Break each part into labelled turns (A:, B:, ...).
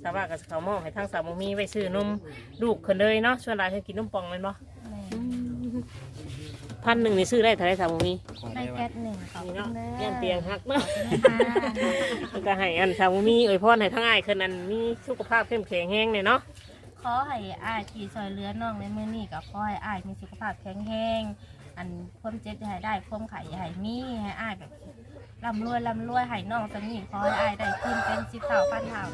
A: สาวว่าก็เขามอบให้ทางสาวบ่มีไว้ซื้อนมลูกคนเลยเนาะส่วนหลายเพิ่นกินนมปองแม่นบ่1,000นี่ซื้อได้เท่าไหร่สาวบ่มี
B: ได้แก๊สหนึ่งขอบ
A: นี่
B: คุ
A: เนาะ
B: ณเด้อ
A: ยันเตียงหักเนาะ
B: ค่ะ
A: มันก็ให้อันสาวบ่มีอวยพรให้ทั้งอ้ายคนนั้นมีสุขภาพเข้มแข็งแรงเนี่ยเนาะ
B: ขอให้อ้ายที่ซอยเรือน้องในมื้อนี้ก็ขอให้อ้ายมีสุขภาพแข็งแรงอันความเจ็บอย่าให้ได้ความไข้อย่าให้มีให้อ้ายแบบร่ำรวยให้น้องสนิทขอให้อ้ายได้ขึ้นเป็น10 เท่าพันเท่า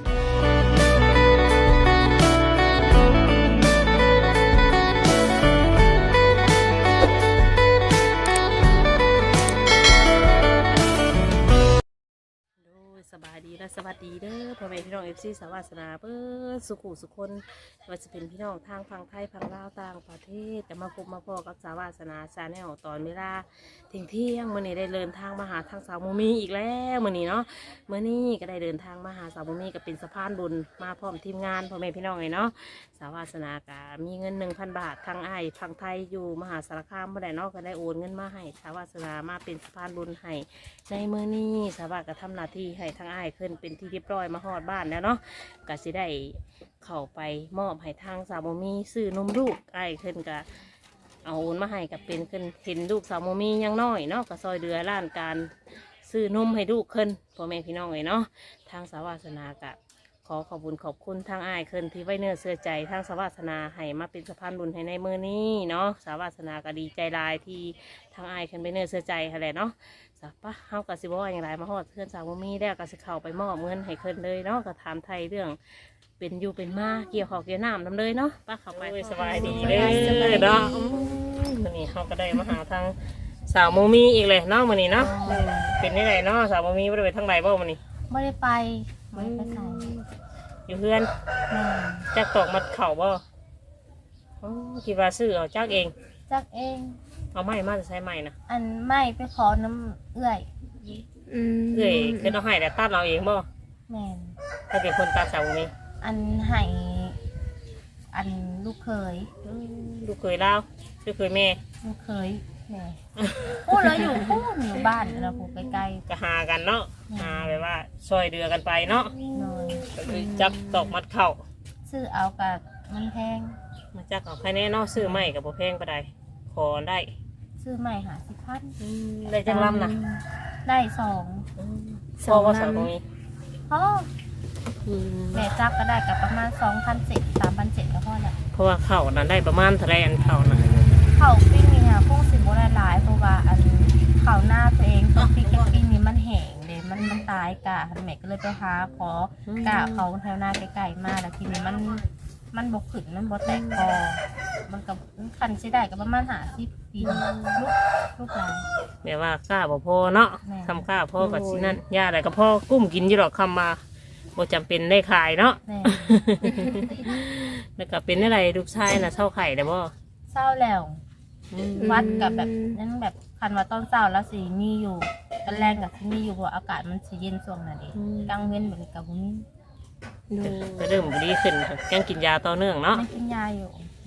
B: สบายดีและสวัสดีเด้อพ่อแม่พี่น้องFC สาวาสนาเปิ้สุขุสุคนว่าจะเป็นพี่น้องทางฝั่งไทยฝั่งลาวต่างประเทศแต่มาพบมาพอกับสาวาสนาชาแนลตอนเวลาเที่ยงมื้อนี้ได้เดินทางมาหาทางสาวมุมีอีกแล้วมื้อนี้เนาะมื้อนี้ก็ได้เดินทางมาหาสาวมุมีก็เป็นสะพานบุญมาพร้อมทีมงานพ่อแม่พี่น้องไงเนาะสาวาสนาก็มีเงิน 1,000 บาททางอ้ายฝั่งไทยอยู่มหาสารคามบ่ได้เนาะก็ได้โอนเงินมาให้สาวาสนามาเป็นสะพานบุญให้ในมื้อนี้สาวาก็ทำหน้าที่ให้ทางอ้ายขึ้นเป็นที่เรียบร้อยมาฮอดบ้านแล้วเนาะก็สิได้เข้าไปมอบให้ทางสาวมุมีซื้อนมลูกอ้ายขึ้นก็เอาโอนมาให้กับเป็นขึ้นเห็นลูกสาวมุมียังน้อยเนาะก็ซอยเดือล้านการซื้อนมให้ลูกขึ้นพ่อแม่พี่น้องเลยเนาะทางสาวาสนาก็ขอขอบคุญขอบคุณทางอ้ายขึ้นที่ไว้เนื้อเสื้อใจทางสาวาสนาให้มาเป็นสะพานบุญให้ในมือนี้เนาะสาวาสนาก็ดีใจหลายที่ทางอ้ายขึ้นไปเนื้อเสื้อใจอะไรเนาะสักปะเฮากับสิบว่าอย่างไรมาฮอดเพื่อนสาวมีได้ก็สิเข้าไปมอบเงินให้ขึ้นเลยเนาะก็ถามไทยเรื่องเป็นอยู่เป็นมาเกี่ยวข้าวเกี่ยวน้ำนำเลยเนาะป้าเข้าไปสบายดีเลยเนาะวันนี้เขาก็ได้มาหาทางสาวโมมีอีกเลยเนาะวันนี้เนาะเป็นยังไงเนาะสาวโมมีไม่ได้ไปทางไหนบ้างวันนี้ไม่ได้ไปไม่ได้ไปไหน
A: อยู่เพื่อนจักตอกมัดเข่าบ่คิดว่าซื้อเอาจักเอง
B: จักเอง
A: เอาไม้มาจะใช้ไม้นะ
B: อันไม่ไปขอน้ำเอื้อย
A: เอ้ยคือเราให้แต่ตัดเราเองบ่
B: แม่น
A: ถ้าเป็นคนตัดสาวโมมี
B: อันให้อันลูกเคย
A: ลูกเคยเล่าลูกเคยแม่
B: ลูกเคยแม่พูดเราอยู่พูดอยู่บ้านเราพูดใกล้
A: ก็หากันเนาะหาแบบว่าซอยเดือกันไปเนาะ
B: ๆหน่อย
A: ก็เลยจับตอกมัดเข่า
B: ซื้อเอากับมันแพง
A: มาจักเอาภายในเนาะซื้อไม้กับบ่แพงปานใดขอได้
B: ซื้อใหม่50,000
A: ได้จังลำนะ
B: ได้2
A: พ่อว่าสาวตรงนี้
B: พ่อแม่จักก็ได้กับประมาณ2,700 3,700ก็พอแหละ
A: เพราะว่าเข่านั้นได้ประมาณเท่าไรอันเข่านะ
B: เขาปิ้งนี่ค่ะพวกสิบโบราณหลายเพราะว่าอันเขาหน้าตัวเองตัวปิ้งกับปิ้งนี่มันแห้งเลยมันตายกะแม่ก็เลยไปหาขอกะเขาแถวหน้าไกลๆมาแล้วทีนี้มันบกขึ้นมันบกแตกคอมันกับคันใช้ได้กับประมาณ50 ปีลูกหลาน
A: แม่ว่ากล้าบ่พอเนาะ
B: แม่
A: ทำกล้าพ่อกับสินั่นย่าอะไรก็พ่อกุ้มกินอยู่หรอกคำมาบ่จำเป็นได้ขายเนาะ
B: แม่
A: แล้วก็เป็นอะไรลูกชายน่ะเช่าไข่ได้บ่
B: เศร้าแล้ววัดกับแบบนั้นแบบคันว่าต้นเศร้าแล้วสีมีอยู่ตอนแรกกับที่มีอยู่เพราะอากาศมันสีเย็นช่วงนั้นเองกลางเว้นแบบนี้กับพวกนี้
A: ก็เริ่มดีขึ้นยังกินยาต่อเนื่องเนาะ
B: ไม่กินยาอยู่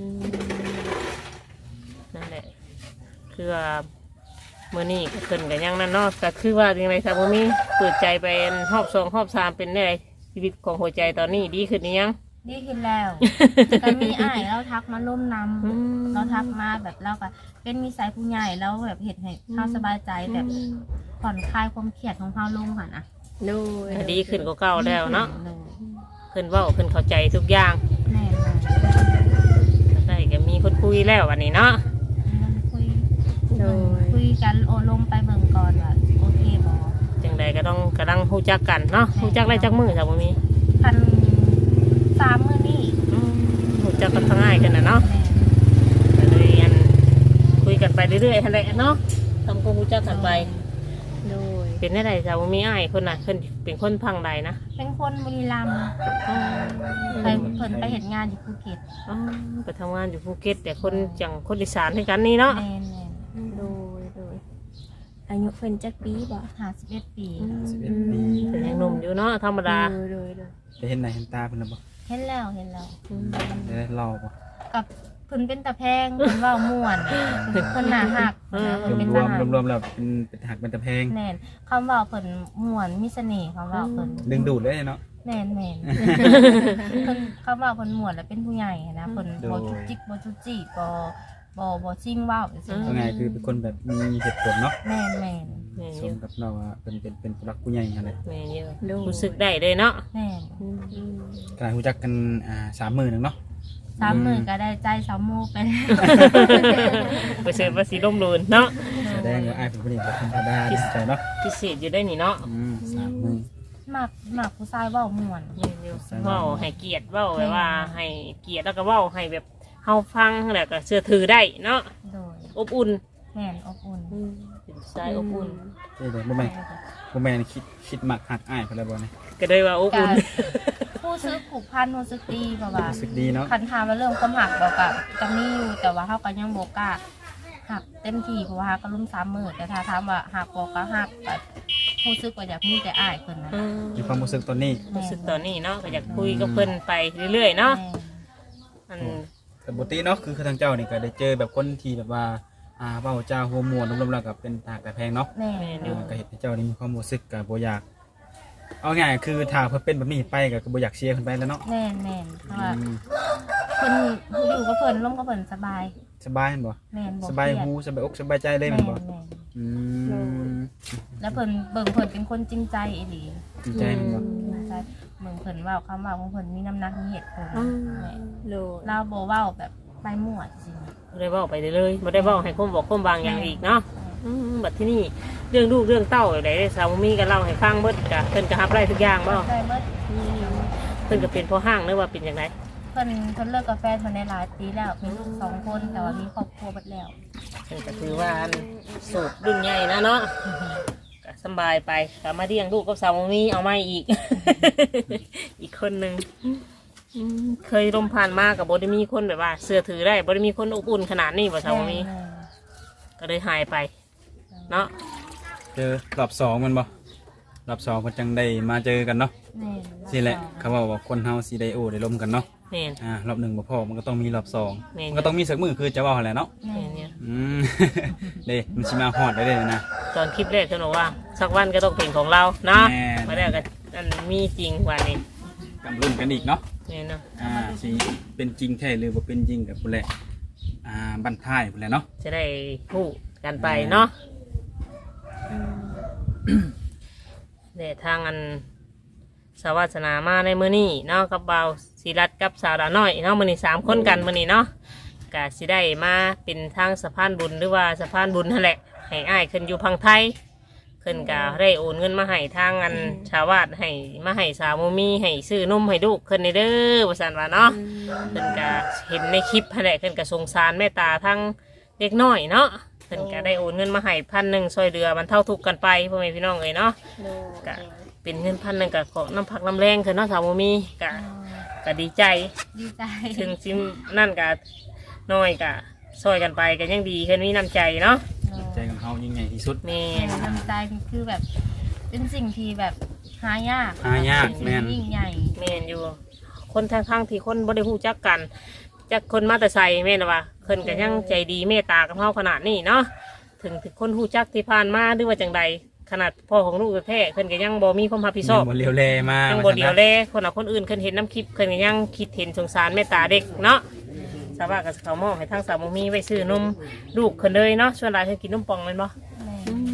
A: นั่นแหละคือว่ามื้อนี้ก็ขึ้นกันยังนั่นเนาะก็คือว่าจังไดครับบ่มีเปิดใจไปรอบ2รอบ3เป็นได้ชีวิตของหัวใจตอนนี้ดีขึ้นหรือยัง
B: ดีขึ้นแล้วแต่มีอ้ายเราทักมาร่วมนำเราทักมาแบบเราก็เป็นมีสายผู้ใหญ่แล้วแบบเห็นให้เขาสบายใจแบบผ่อนคลายความเครียดของเขาลงค่ะนะ
A: ก็ดีขึ้นกว่าเก่าแล้วเนาะเพิ่นเว้าเพิ่นเข้าใจทุกอย่าง
B: แน่เลย
A: ได้ก็มีคนคุยแล้ววันนี้เนาะ
B: มันคุยกันโอลมไปเบิ่งก่อนว่าโอเคบอ
A: จังใดก็ต้องกำลังฮู้จักกันเนาะฮู้จักได้จักมือจ้ะบ่มี
B: พัน3 มื้อนี่
A: ฮู้จักกันทั้งง่ายกันน่ะเนาะ
B: แม่
A: ก็เลยอันคุยกันไปเรื่อยๆหั่นแหละเนาะทำความรู้จักกันไปเป็นได้จ้ะบ่มีอ้ายคนน่ะเพิ่นเป็นคนพังใดนะ
B: เป็นคนบุรีรัมย์ไปเพิ่นไปเห็นงานอยู่ภูเก็ต
A: อ๋อไปทำงานอยู่ภูเก็ตแต่คนจังคนอีสานให้กันนี่เนาะ
B: แม่น
C: โดยอายุเพิ่นจักปีบ่
B: 51 ปี
D: 11 ปี
A: เป็นยังหนุ่มอยู่เนาะธรรมดา
C: โดย
D: ไปเห็นไหนเห็นตาเพิ่นแล้วบ่
B: เห็นแล้ว
D: ได้เล่าบ่
B: กับเพิ่นเป็นตะแพงเพิ่นเว้าม่วนเพิ่นน่าฮักเพิ่นเป็น
D: ร
B: ท
D: วม
B: หาร
D: รวมๆแล้วเป็นหักเป็นตะแพง
B: แน่นคำเว้าเพิ่นม่วนมีเสน่ห์คำเว้าเพิ่น
D: ดึงดูดเลยเนาะ
C: แม่นแม่น เพิ่นเข้ามาเพิ่นหมวดแล้วเป็นผู้ใหญ่นะเพิ่นบ่จุกจิกบ่จุกจิกบ่ซิ่งว้าวจัง
D: ว่าไงคือเป็นคนแบบมีเหตุผลเนาะ
C: แม่นแม่น
A: แม่น
D: ส
A: อยู่
D: มกับเราว่าเป็นผู้รักผู้ใหญ่อะไร
A: แม่นอยู่รู้สึกได้เลยเนาะ
C: แม่น
D: กลายรู้จักกัน30,000นึงเนาะ
C: 30,000ก็ได้ใจ3หมู่ไปแล้ว
A: ไปเสิร์ฟภาษีร่มรูนเนาะ
D: แสดงว่าอ้ายเป็นผู้หญิงแบบธรรมดาดีใจเนาะ
A: พิเศษอยู่ได้นี่เนาะ
D: 30,000
C: มักผู้ชายเว้าม่วน
A: แม่นอยู่เว้าให้เกียรติเว้าไว้ว่าให้เกียรติแล้วก็เว้าให้แบบเฮาฟังแล้วก็เชื่อถือได้เนาะ
C: โดย
A: อบอุ่น
C: แม่นอบอุ่น
A: เป็นสายอบอุ่น
D: เอ้ยเดี๋ยวบ่แม่นคิดมักหักอ้ายเพิ่นแล้วบ่เนี่ย
A: ก็เลยว่าอบ
C: กา
A: อุ่น
C: รผู้ซื้อผูกพันรู้สึกดีเพราะว่า
D: รู้สึกดีเนาะ
C: คันถามว่าเรื่องความหักบอกกับจะมีอยู่แต่ว่าเขาก็ยังบอกกล้าหักเต็มที่เพราะว่าเขาก็รุ่ม30,000แต่ถ้าถามว่าหักบอกก็หักแบบผู้ซื้อก็อยากมีแต่อ้ายคนนะ
D: มีความรู้สึกตอนนี้
A: รู้สึกตอนนี้เนาะก็อยากคุยกับเพิ่นไปเรื่อยๆเนาะ
C: แม่
A: อัน
D: แต่ปกติเนาะคือทางเจ้านี่ก็ได้เจอแบบคนที่แบบว่าเว้าจาหัวมวนรวมๆแล้วก็เป็นตากแต่แพงเนาะ
C: แม่
D: ก็เห็นให้เจ้านี่มีความรู้สึกก็บ่อยากเอาง่ายคือถ้าเพิ่นเป็นแบบนี้ไปก็บ่อยากเชียร์เพิ่นไปแล้วเนาะ
C: แม่เพราะว่าเพิ่นอยู่กับเพิ่นร่วมกับเพิ่นสบาย
D: สบายแม่นบ่
C: แม่นบ่
D: สบาย
C: เครี
D: หูสบายอกสบายใจเลยแม่นบ่
C: แม่
D: อืม
C: แล้วเพิ่นเบิ่งเพิ่นเป็นคนจริงใจอีหลี
D: จริงใจแม่นบ่
C: จริงใจเบิ่งเพิ่นเว้าคำเว้าของเพิ่นมีน้ำหนักมีเหตุผลแม่
B: โดย
C: เราบ่เว้าแบบไปมั่วจริง
A: บ่ได้เว้าไปเลยบ่ได้เว้าให้คนบอกคนบางอย่างอีกเนาะบัดที่นี่เรื่องลูกเรื่องเต้าอะไรได้สาวมีก็เล่าให้ฟังเบิดกะเพิ่นก็รับได้ทุกอย่างบ่
C: ใจเบิด
A: เพิ่นก็เป็นพ่อห้างหรือว่าเป็นจังได
C: เพิ่นเลิกกับแฟนเพิ่นได้หลายปีแล้วมีลูก2 คนแต่ว่ามีครอบครัวหมดแล้ว
A: เพิ่นก็ถือว่าอันสูบรุ่นใหญ่นะเนาะก็สำบายไปก็มาเลี้ยงลูกกับสาวมีเอามาอีก อีกคนหนึงเคยลมผ่านมากับบ่ได้มีคนแบบว่าเสื้อถือได้บ่ได้มีคนอบอุ่นขนาดนี้บ่สาวมีก็เลยหายไปเนาะ
D: เจอรอบ2แมันบ่รอบ2เพิ่นจังได้มาเจอกันเนาะ
C: แม่
D: สิแหละเขาบอกว่าคนเฮาสิได้โอ้ได้ลมกันเนาะ
A: แม่น
D: รอบ1บ่พอมันก็ต้องมีรอบ
A: แม่น
D: 2มันก็ต้องมีสักมื้อคือจะเว้าหั่นแหละเนาะ
C: แม่
A: แม่นเนี่ย
D: อืม เด้มันสิมาฮอดได้เด้นะ
A: ตอนคลิปแรกเธอบอกว่าสักวันก็ต้องเป็นของเราเนาะ
D: แม่น
A: มาแล้วก็อันมีจริงวันนี้
D: กำลุ้นกันอีกเนาะ
A: เนี่ยเนาะ
D: สิเป็นจริงแท้หรือบ่เป็นจริงกับพุ่นแหละบั้นท้ายพุ่นแหละเนาะ
A: จะได้พูดกันไปเนาะเนี่ยทางอันสวัสนามาในมื้อนี้เนาะกับเบาศิรัตน์กับสาวดาน้อยเนาะมื้อนี้3 คนกันมื้อนี้เนาะก็สิได้มาเป็นทางสะพานบุญหรือว่าสะพานบุญนั่นแหละให้อ้ายขึ้นอยู่พังไทยขึ้นก็ได้โอนเงินมาให้ทางอันชาวบ้านให้มาให้สาวโมมีให้ซื้อนมให้ลูกขึ้นในเด้อว่าซั่นว่าเนาะขึ้นก็เห็นในคลิปนั่นแหละขึ้นก็สงสารแม่ตาทั้งเด็กน้อยเนาะขึ้นก็ได้โอนเงินมาให้1,000ช่วยเหลือบรรเทาทุกข์กันไปพ่อแม่พี่น้องเอ้ยเนาะ
B: โดย
A: ก็เป็นเงิน1,000ก็ขอน้ำพักน้ำแรงขึ้นเนาะสาวโมมีก็ดีใจ
C: ดีใจ
A: ถึงซิมนั่นก็น้อยก็ช่วยกันไปก็ยังดีขึ้นมีน้ำใจเนาะ
D: ใจของเฮายิ่งใหญ่ที่สุด
A: แม่
C: แม่น้ำใจนี่คือแบบ เป็นสิ่งที่แบบหายาก
D: หายาก
C: เป็น
D: แม่น
C: สิ่งที่ยิ่งใหญ่
A: แม่นอยู่ คนทางข้างที่คนบ่ได้ฮู้จักกันจักคนมาแต่ใส่แม่นว่าเพิ่นก็ยังใจดีเมตตากับเฮาขนาดนี้เนาะถึงคนฮู้จักที่ผ่านมาหรือว่าจังใดขนาดพ่อของลูกแท้ๆเพิ่นก็ยังบ่มีความรับผิดชอบ
D: บ่เลียวแลมา
A: ยังบ่เดียวแลคนเอาคนอื่นเพิ่นเห็นน้ำคลิปเพิ่นก็ยังคิดเห็นสงสารเมตตาเด็กเนาะสาวาก็เขามอบให้ทางสาวบ่มีไว้ซื้อนมลูกเพิ่นเลยเนาะส่วนหลายเพิ่นกินนมปองแม่นบ่
C: แม่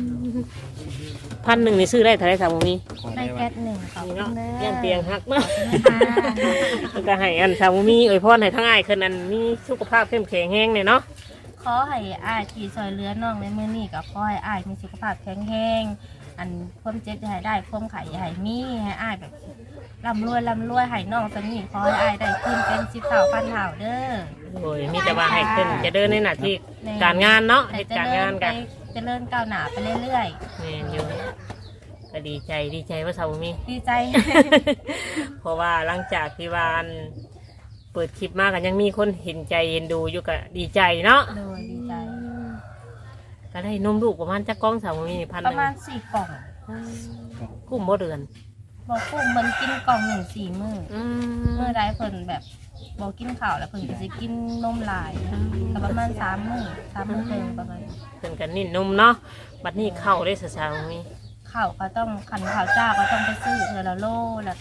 A: 1,000นี่ซื้อได้เท่าไหร่สาวบ่มี
C: ได้แก๊สหนึ่งขอบ
A: นี่
C: คุ
A: เนาะ
C: ณแม่
A: ย่านเตียงหักเนาะ
C: ค่ะ
A: แล้วก็ให้อันสาวมีอวยพรให้ทั้งอ้ายคืนนั้นมีสุขภาพเข้มแข็งแรงเนี่ยเนาะ
C: ขอให้อ้ายที่ซอยเรือน้องในมื้อนี้ก็ขอให้อ้ายมีสุขภาพแข็งแรงอันความเจ็บจะให้ได้ความไข่อย่าให้มีให้อ้ายแบบร่ำรวยให้น้องสนิทขอให้อ้ายได้ขึ้นเป็น10 เท่าพันเท่าเด้อ
A: โอ้ยมีแต่ว่าให้ขึ้นจะเดินในหน้าที่การงานเนาะเหตุการงานกัน
C: เจริญก้าวหน้าไปเรื่อย
A: แม่นอยู่ก็ดีใจว่าสาวมี
C: ๆ ดีใจ
A: เพราะว่าหลังจากที่วาอันเปิดคลิปมากันยังมีคนเห็นใจเห็นดูอยู่ก็ดีใจเนาะ
C: โดยดีใจ
A: ก็ได้นมลูกประมาณจักกล้องสาวมี1,000
C: ประมาณ4 กล่อง
A: กุ้มบ่เดือน
C: บอกกุ้มมันกินกล่อง1 4 มื้อ
A: อื
C: เมื่อใดเพิ่นแบบบอกกินข้าวแล้วเพิ่นก็จะกินนมหลายก็ประมาณ3 มื้อ3 มื้อเต็มประมาณ
A: เพิ่นกันนิ่นนมเนาะบัดนี้เข้าได้สาวมี
C: ข้าวก็ต้องขันข้าวเจ้าก็ต้องไปซื้อเทอละโลแล้วก็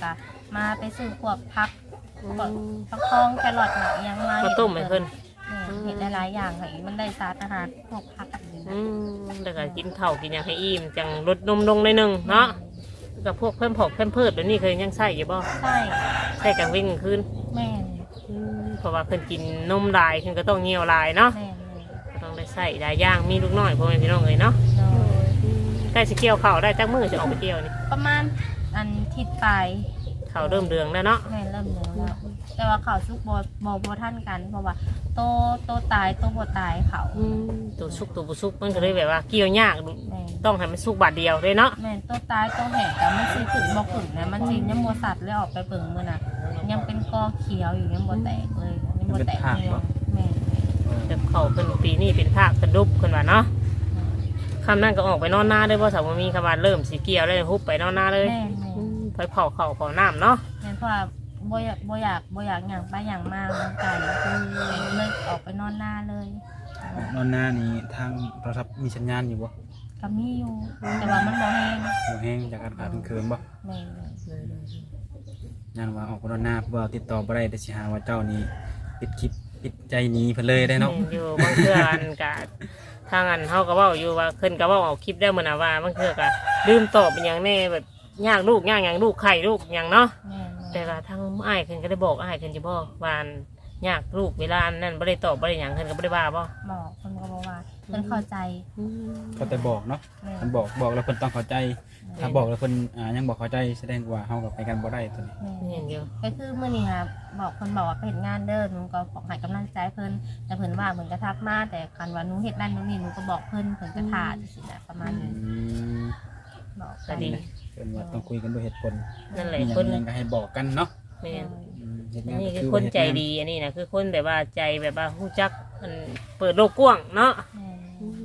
C: มาไปซื้อพวกพักพวกฟักทองแครอทหนักยังมา
A: ข้าวต้มให้เพิ่น
C: เห็ดหลายๆอย่างให้มันได้สารอาหารพวกพักอันนี้นะ
A: แล้วก็กินข้าวกินหยังให้อิ่มจังลดนมลงหน่อยหนึงเนาะกับพวกเพิ่มผอกเพิ่มพืชเดี๋ยวนี้เคยยังใส่อยู่บ่
C: ใช่
A: ใส่กลางวิ่งคืน
C: แม่น
A: เพราะว่าเพิ่นกินนมหลายเพิ่นก็ต้องเหี่ยวหลายเนาะ
C: แม่น
A: ก็ต้องได้ใส่หลายอย่างมีลูกน้อยพ่อแม่พี่น้องเอ้ยเนาะ
C: โดย
A: ใกล้สิเกี่ยวข้าวได้จักมื้อจะออกไปเกี่ยวนี่
C: ประมาณอันทิศปลาย
A: ข้าวเริ่มเดืองแล้วเนาะ
C: แม่นเริ่มเหลืองแล้วแต่ว่าเขาซุกบ่ท่านกันเพราะว่าโตตายโตบ่ตายเขา
A: ตัวสุกตัวบ่สุกมันก็เลยแบบว่าเกี่ยวยาก
C: แม่น
A: ต้องให้มันสุกบาดเดียวเลยเนาะ
C: แม่นโตตายโตแห้งแต่มันสิขึ้นบ่ขึ้นนะมันสิยังบ่สัตว์เลยออกไปเบิ่งมื้อน่ะยังเป็นกอเขียวอยู่ยังบ่แตกเลยยังบ่แตกเลยแม่น
A: แต่ข้าวเพิ่นปีนี้เป็นภาคกระดุบเพิ่นว่าเนาะคำนั้นก็ออกไปนอนนาเลยบ่สาวบ่มีคำว่าเริ่มสิเกี่ยวเลยฮุบไปนอนนาเลย
C: แม่น
A: ไปเผาข้าวเผาน้ำเนาะ
C: แม่นเพราะว่าบ่อยากหยังไปหยังมามันไกลเลยออกไปนอนหน้าเลย
D: นอนหน้านี้ทางโทรศัพท์มีสัญญาณอยู่บ่
C: ก็มีอยู่แต่ว่ามันบ่แห้ง
D: บ่แห้งจากอากาศเคืนบ่
C: แม่น
D: งานว่าออกไปนอนหน้าเพื่อติดต่อบ่ได้แต่สิหาว่าเจ้านี่ปิดคลิปปิดใจหนีเพิ่นเลยได้เนาะ
A: แม่นอยู่บางเทื่ออันกะทางอันเฮาก็เว้าอยู่ว่าเพิ่นก็เว้าเอาคลิปได้มื้อน่ะว่าบางเทื่อก็ลืมตอบเป็นหยังแน่แบบยากลูกยากหยังลูกไข่ลูกหยังเนาะ
C: แม่น
A: แต่ว่าทางอ้ายเพิ่นก็ได้บอกอ้ายเพิ่นจะบอกว่าอันยากลูกเวลานั้นบ่ได้ตอบบ่ได้หยังเพิ่นก็บ่ได้ว่าบ่
C: บอกเพิ่นก็บอกว่าเพิ่นเข้าใจ
D: เขาแต่บอกเนาะ
C: แม่น
D: มันบอกแล้วเพิ่นต้องเข้าใจ ถ้าบอกแล้วเพิ่นยังบอกเข้าใจแสดงว่าเฮากับไปกันบ่ได้ตัวนี้
C: แม่
A: เห็
C: น
A: นอยู่
C: ก็คือมื้อนี้ค่ะบอกเพิ่นบอกว่าไปเฮ็ดงานเด้อหนูก็บอกให้กำลังใจเพิ่นแต่เพิ่นว่าเพิ่นก็ทักมาแต่คันว่าหนูเฮ็ดนั่นนู่นนี่หนูก็บอกเพิ่นก็ท่าจังซี่นะประมาณนี้
D: ม
C: บอก
A: ก็ดี
D: เพิ่นว่าต้องคุยกันด้วยเหตุผล
A: นั่นแหละ
D: มีหยัง
A: คน
D: ยังก็ให้บอกกันเนาะ
A: แม่น
D: เฮ็ด
A: อั
D: งาน
A: นนี้
D: ก็
A: คือ
D: ว่า
A: คนใจ
D: เฮ็งา
A: ดีอันนี้นะคือคนแบบว่าใจแบบว่าฮู้จักมันเปิดโลกกว้างเนาะ
C: แม่น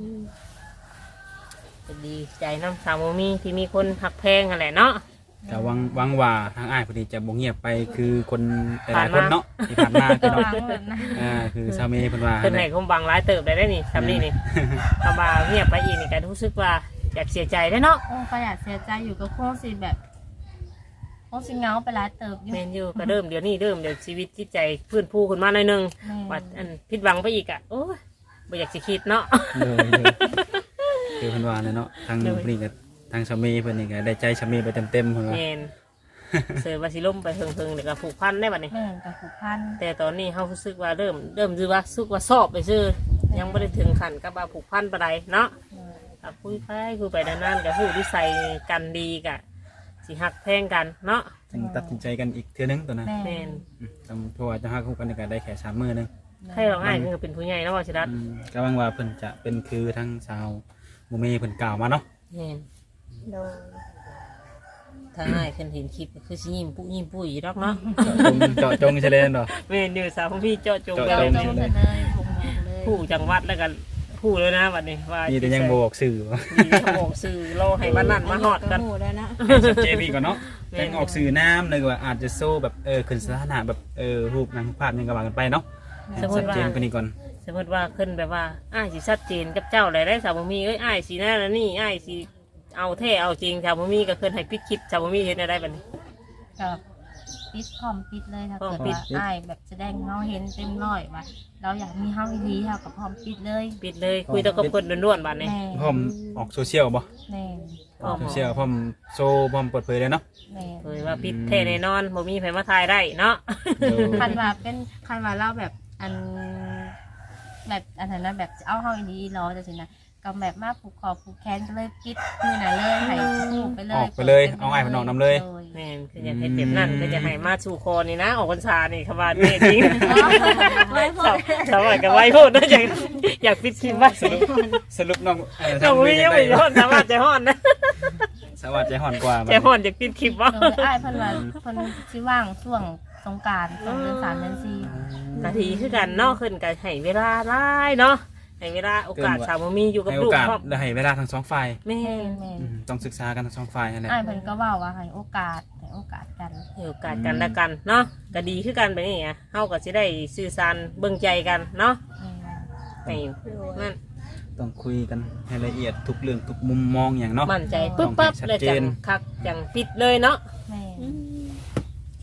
A: ก็ดีใจน้ำสาวโมมีที่มีคนหักแพงกันแหละเนาะ
D: แต่หวังว่าทางอ้ายพอดีจะบ่เงียบไปคือคนหลายๆ
A: ผ่านมา
D: คนเนาะที่ผ่านมา
C: ก็
D: คือ
C: วา
D: เนาะ
C: งเพิ่นนะ
D: คือซาเมเพิ่นว่า
A: เพิ่นให้คมบังร้ายเติบได้นี่ทำนี่นี่คำว่าเงียบไปอีกนี่ก็รู้สึกว่าอยากเสียใจได้เนาะ
C: โอ้ก็อยากเสียใจอยู่ก็คงสิแบบคงสิเหงาไปหลายเติบอยู่
A: แมนอยู่ก็เริ่มเดี๋ยวนี้เริ่มเดี๋ยวชีวิตจิตใจฟื้นฟูขึ้นมาหน่อยหนึง
C: แม่
A: ว่าอันผิดหวังไปอีกอ่ะโอ้ยบ่อยากสิคิดเนาะ
D: เลยคือเพิ่นว่าเลยเนาะทาง
A: เลย
D: นี่ก็ทางซาเมเพิ่นนี่ก็ได้ใจซาเมไปเต็มๆเพิ่นว่า
A: แมนเสือว่าสิล่มไปเพิงๆเดี๋ยวก็ผูกพันได้บัดนี้
C: แม่นกับผูกพัน
A: แต่ตอนนี้เขารู้สึกว่าเริ่มรู้ว่าสึกว่าสอบไปซื่อยังไม่ได้ถึงขั้นกับว่าผูกพันปานใดเนาะถ้าคุยไปนานๆกับผู้ที่ใส่กันดีกะสิหักแพงกันเนาะ
D: จึงตัดสินใจกันอีกเทื่อนึงตัวนั้น
C: แม่
A: แมน
D: ต้องเพราะว่าจะฮักคู่กันนี่ก็ได้แค่3มื้อนึง
A: ให้เราง่ายคือเป็นผู้ใหญ่เนาะว่าชิรัต
D: ก็หวังว่าเพิ่นจะเป็นคือทั้งชาวโมเมเพิ่นกล่าวมาเนาะ
A: แมน
C: โดย
A: ถ้าง่ายขึ้นเห็นคลิปก็คือสิยิ้มปุ้ยดอกเนาะ
D: เจาะจงใช่เลยเนาะ
A: แมนอยู่สาวของพี่เจาะจง
D: เจาะ
A: กัน
D: จ
C: ต้องเสนอผมเลย
A: ผู้จังหวัดแล้วกันผู้เลยนะวันนี้ว่า
D: นี่แต่ยังบ่บอกสื่อว่า
A: มีแต่บอกสื่อเราให้บ้านนั่นมาหอดกัน
D: ให้ชัดเจนอีกก่อนเนาะจังออกสื่อน้ำเลยว่าอาจจะโซ่แบบขึ้นสถานะแบบรูปนางภาพยังกระบากันไปเนาะ
A: สมม
D: ชั
A: ติ
D: ด
A: ว่า
D: เจนกว่านี้ก่อน
A: สมมติว่าขึ้นแบบว่าอ้ายสิชัดเจนกับเจ้าอะไรได้สาวบ่มีเอ้ยอ้ายสินั่นแล้วนี่อ้ายสิเอาแท้เอาจริงสาวบ่มีก็ขึ้นให้ปิดคลิปสาวบ่มีเห็นได้บัดนี้
C: กับปิดพร้อมปิดเลยถ้า
A: พร้อ
C: เกิ
A: ม
C: ด
A: ปิด
C: ว่าอ้ายแบบแสดงเฮาเห็นเต็มร้อยว่าเราอยากมีเฮาดีเฮากับพร้อมปิดเลย
A: ปิดเลยคุยแตัวกับคนด้วนๆบัดนี้
C: แม่
D: พร้อมออกโซเชียลบ่
C: แม่
A: พร้อม
D: โซเชียลพร้อมโซพร้อมเปิดเผยเลยเนาะ
C: แม่
A: เคยว่าปิดแท้แน่นอนบ่มีไผมาถ่ายได้เนาะ
C: คันว่าเป็นคันว่าเราแบบอันแบบอันนั้นนะแบบเอาเฮาดีรอจังซี่นะก็แบบมาผูกคอผูกแขนก็เลยปิดมือน่ะเลยให้ผูกไปเลย
D: ออกไปเลยเอาไอ้ายมันออกน้ำเลย
A: แม่นคืออยากให้เต็มนั่นก็จะให้มาสู่คอนี่นะออกพรรษานี่คำว่าแม่จริง
C: ไม่พอ
A: สาวก็ไว้พูดนะอยากปิดคลิปไว้
D: สรุปน้อง
A: น้องมียังไม่ย้อนสามารถใจฮ้อนนะ
D: สวัสดีฮอนกว่า
A: ใจฮ้อนอยากปิดคลิปวะ
C: โดยอ้ายเพิ่นว่าเพิ่นสิว่างช่วงสงกรานต์ช่วงเดือน3เดือน4
A: นาทีคือกันเนาะขึ้นกันให้เวลาไล่เนาะให้เวลาโอกาสสาวมีอยู่กับ
D: ให้โอ
A: ลูก
D: กาส
A: ครอบ
D: และให้เวลาทั้งสองฝ่าย
A: แม่
C: แม่น
D: ต้องศึกษากันทั้งสองฝ่ายนั่นแหละ
C: อ้ายเพิ่นก็เว้าว่าให้โอกาสกัน
A: ให้โอกาสกันละกันเนาะก็ดีคือกันไปนี่ไงเฮาก็สิได้สื่อสารเบิ่งใจกันเนาะให้นั่น
D: ต้องคุยกันให้ละเอียดทุกเรื่องทุกมุมมองอย่างเนาะ
A: มั่นใจปึ๊บปั๊บ
D: ต้องให้ชัด
A: เลย
D: เจ
A: จั
D: น
A: งคักจังปิดเลยเนาะ
C: แม่น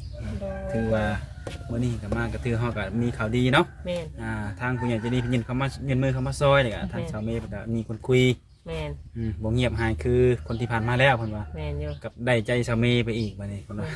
D: ถือว่ามื้อนี้ก็มาก็ถือเฮาก็มีข่าวดีเนาะ
A: แม่น
D: ทางผู้ใหญ่ใจะดีเพิ่นยื่นมือเข้ามาซอยนี่ก็ทางสาวเมย์เพิ่นก็มีคนคุย
A: แม่น
D: บ่เงียบหายคือคนที่ผ่านมาแล้วเพิ่นว่า
A: แม่นอยู่
D: กับได้ใจสาวเมย์ไปอีกบัดนี้เพิ่นว่า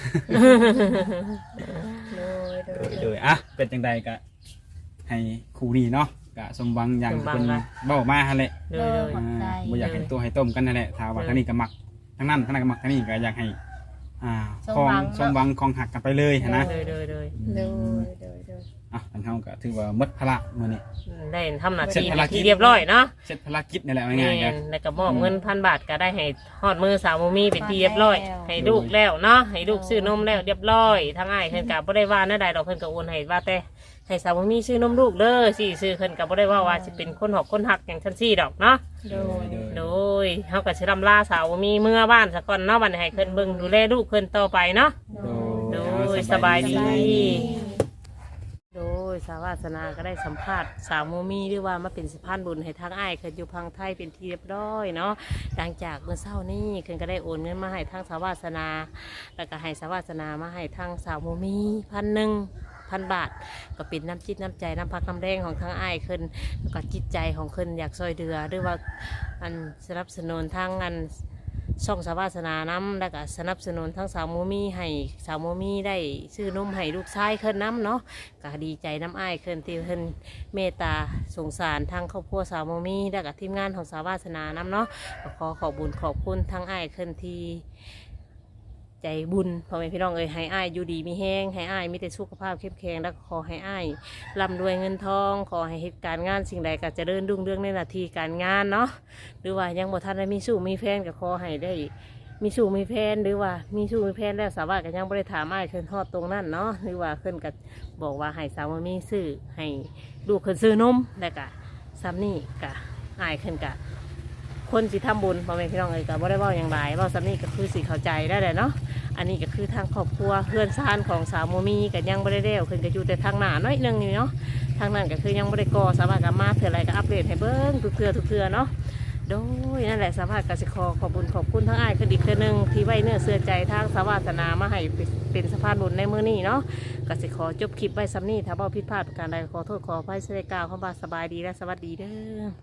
D: โดยเป็นจังใดก็ให้คู่นี้เนาะก็สมหวังอย่างที่เพิ่นเว้ามาหั่นแหละ
A: โดยโดย
C: ขอบใจ
D: บ่อยากให้ตัวให้ต้มกันนั่นแหละถ้าว่าทางนี้ก็มักทางนั้นก็มักทางนี้ก็อยากให้ของสมหวังของหักกันไปเลยหั้นนะ
A: โดย
C: โดยโดยโดย
D: ทางเฮาก็ถือว่าหมดภาระมื้อนี้
A: ได้ทำหน้า
D: เสร็จ
A: ที่
D: ภารกิจ
A: ที่เรียบร้อยเนาะ
D: เสร็จภารกิจนี่แหละ
A: แม่
D: ง่ายๆกัน
A: นแล้วก็มอบเงิน1,000 บาทก็ได้ให้ฮอดมือสาวโมมี่เป็นที่เรียบร้อย ให้ลูกแล้วเนาะให้ลูกซื้อนมแล้วเรียบร้อยทั้งอ้ายเพิ่นก็บ่ได้ว่าแนวใดดอกเพิ่นก็โอนให้ว่าแต่ให้สาวโมมี่ซื้อนมลูกเด้อสิซื้อเพิ่นก็บ่ได้ว่าสิเป็นคนหอกคนหักอย่างซั่นซี่ดอกเนาะ
C: โดย
A: โดยเฮาก็สิรำลาสาวโมมี่เมื่อบ้านซะก่อนเนาะบัดนี้ให้เพิ่นเบิ่งดูแลลูกเพิ่นต่อไปเนาะ โดยสบายดี โดยสาวาสนาก็ได้สัมภาษณ์สาวโมมี่ด้วยว่ามาเป็นสะพานบุญให้ทางอ้ายเคินอยู่พังไทยเป็นที่เรียบร้อยเนาะหลังจากเมื่อเช้านี้เคินก็ได้โอนเงินมาให้ทางสาวาสนา แล้วก็ให้สาวาสนามาให้ทางสาวโมมี่1,000 บาท ก็เป็นน้ำจิตน้ำใจน้ำพักน้ำแดงของทางอ้ายเคินแล้วก็จิตใจของเคินอยากซอยเดือด้วยว่าอันสนับสนุนทางอัน ช่องสาวาสนาน้ำแล้วก็สนับสนุนทั้งสาวโมมี่ให้สาวโมมี่ได้ซื้อนมให้ลูกชายเคินน้ำเนาะก็ดีใจน้ำอ้ายเคินที่เคินเมตตาสงสารทางครอบครัวสาวโมมี่แล้วก็ทีมงานของสาวาสนาน้ำเนาะก็ขอขอบบุญขอบคุณทั้งอ้ายเคินที่ใจบุญพ่อแม่พี่น้องเอ้ยให้อ้ายอยู่ดีมีแห้งให้อ้ายมีแต่สุขภาพเข้มแข็งแล้วก็ขอให้อ้ายร่ำรวยเงินทองขอให้เหตุการณ์งานสิ่งใดก็เจะเดินรุ่งเรื่องในหน้าที่การงานเนาะหรือว่ายังบ่ทันได้มีสู้มีแฟนก็ขอให้ได้ มีสู่มีแฟนหรือว่ามีสู่มีแฟนแล้วสาวาก็ยังไม่ได้ถามอ้ายเคินทอดตรงนั้นเนาะหรือว่าเคินก็บอกว่าให้สาวมีซื้อให้ลูกเคินซื้อนมแล้วก็ซ้ำนี่ก็อ้ายเคินก็คนสิทำบุญพ่อแม่พี่น้องเอ้ยก็บ่ได้เว้าอย่างไรเว้าซ้ำนี่ก็คือสิเข้าใจได้แหละเนาะอันนี้ก็คือทางครอบครัวเพื่อนซ่านของสาวโมมีก็ยังไม่ได้เด้วเคินก็อยู่แต่ทางหน้าน้อยหนึงนี่เนาะทางนั้นก็คือยังไม่ได้ก่อสาวาก็มาเถื่ออะไรก็อัปเดตให้เบิ้งทุกเทื่อเนาะ โดยนั่นแหละสภาพกสิกรขอบคุญขอบคุณทั้งอ้ายคืออีกเทื่อนึงที่ไว้เนื้อเสื้อใจทางสาวาสนามาให้เป็นสะพานบุญในมื้อนี้เนาะกสิขอจบคลิปไว้ซ้ำนี้ถ้าบ่ผิดพลาดประการใดขอโทษขออภัยเสียกล่าวคำว่าสบายดีและสวัสดีเด้อ